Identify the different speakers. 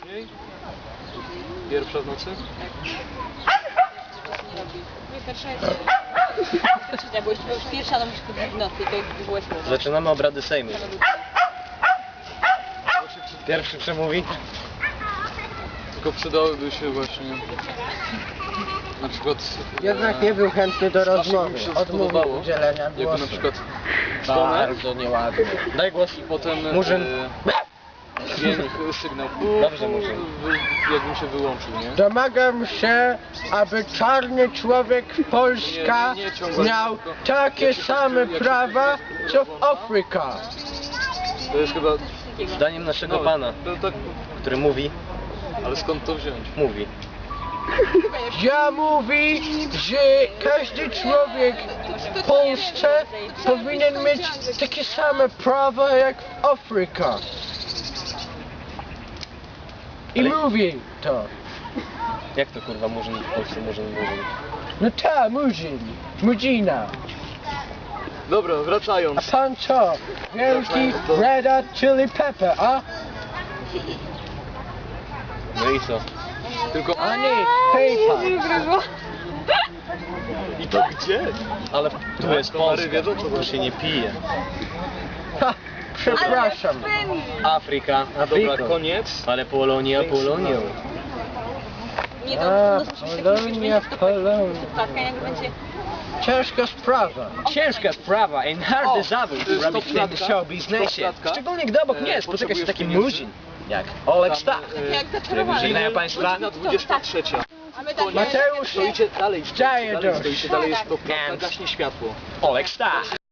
Speaker 1: później? Pierwsza w nocy?
Speaker 2: Nie, pierwsza jest... Trzecia, bo już pierwsza, to musisz kupić w nocy i to już było słowo.
Speaker 3: Zaczynamy obrady Sejmu. Pierwszy przemówi.
Speaker 1: Tylko przydałyby się właśnie... Na przykład...
Speaker 4: Jednak nie był chętny do rozmowy.
Speaker 1: mi się
Speaker 4: Odmówił
Speaker 1: spodobało,
Speaker 4: udzielenia
Speaker 1: jakby
Speaker 4: głosu.
Speaker 1: na przykład dzwonek
Speaker 4: Bardzo nieładnie.
Speaker 3: Daj głos.
Speaker 1: i potem
Speaker 3: Murzyn.
Speaker 1: dźwięk, sygnał.
Speaker 3: Dobrze, Murzyn.
Speaker 1: Jakbym się wyłączył, nie?
Speaker 4: Domagam się, aby czarny człowiek Polska
Speaker 1: Nie ciągle,
Speaker 4: miał
Speaker 1: tylko
Speaker 4: takie
Speaker 1: jak się
Speaker 4: same
Speaker 1: jak się
Speaker 4: prawa, co w
Speaker 1: włącza,
Speaker 4: Afryka.
Speaker 1: To jest chyba...
Speaker 3: Zdaniem naszego pana,
Speaker 1: To tak...
Speaker 3: który mówi,
Speaker 1: Ale skąd to wziąć?
Speaker 3: mówi.
Speaker 4: Ja mówi, że każdy człowiek w Polsce powinien mieć takie same prawa jak w Afryka. I
Speaker 3: Ale-
Speaker 4: mówi to.
Speaker 3: Jak to kurwa Murzyn w Polsce Murzyn mówi?
Speaker 4: No ta, Murzyn, Murzina.
Speaker 1: Dobra,
Speaker 4: A
Speaker 1: wracając.
Speaker 4: pan co? Wielki Red Hot Chili Pepper, a?
Speaker 3: No i co?
Speaker 1: Tylko...
Speaker 4: A nie, PayPal.
Speaker 1: I to gdzie?
Speaker 3: Ale tu jest
Speaker 1: Komary
Speaker 3: Polska,
Speaker 1: wiedzą, co
Speaker 3: tu
Speaker 1: to
Speaker 3: się nie pije.
Speaker 4: Ha, przepraszam.
Speaker 3: Afryka,
Speaker 1: Dobra, koniec.
Speaker 3: ale Polonia Polonią.
Speaker 2: Nie,
Speaker 4: A,
Speaker 2: to musisz
Speaker 4: Polonia, Polonia.
Speaker 2: Słuchawka, jak będzie...
Speaker 4: Ciężka sprawa.
Speaker 3: Ciężka sprawa i hardy zawód
Speaker 1: to jest
Speaker 3: robić w tym
Speaker 1: stopklatka.
Speaker 3: show biznesie.
Speaker 1: Stopklatka.
Speaker 3: Szczególnie gdy obok mnie spotyka się
Speaker 1: Potrzebujesz
Speaker 3: taki
Speaker 1: pieniędzy?
Speaker 3: Murzyn jak Oleg Stach.
Speaker 2: Jak zaczarowany.
Speaker 3: Żegnają państwa.
Speaker 1: Godzina 23.
Speaker 2: A my tak...
Speaker 4: Mateusz,
Speaker 1: Stoicie dalej,
Speaker 4: Daję
Speaker 1: dalej
Speaker 4: dość.
Speaker 1: stoicie, dalej jest to gaśnie światło.
Speaker 3: Oleg Stach.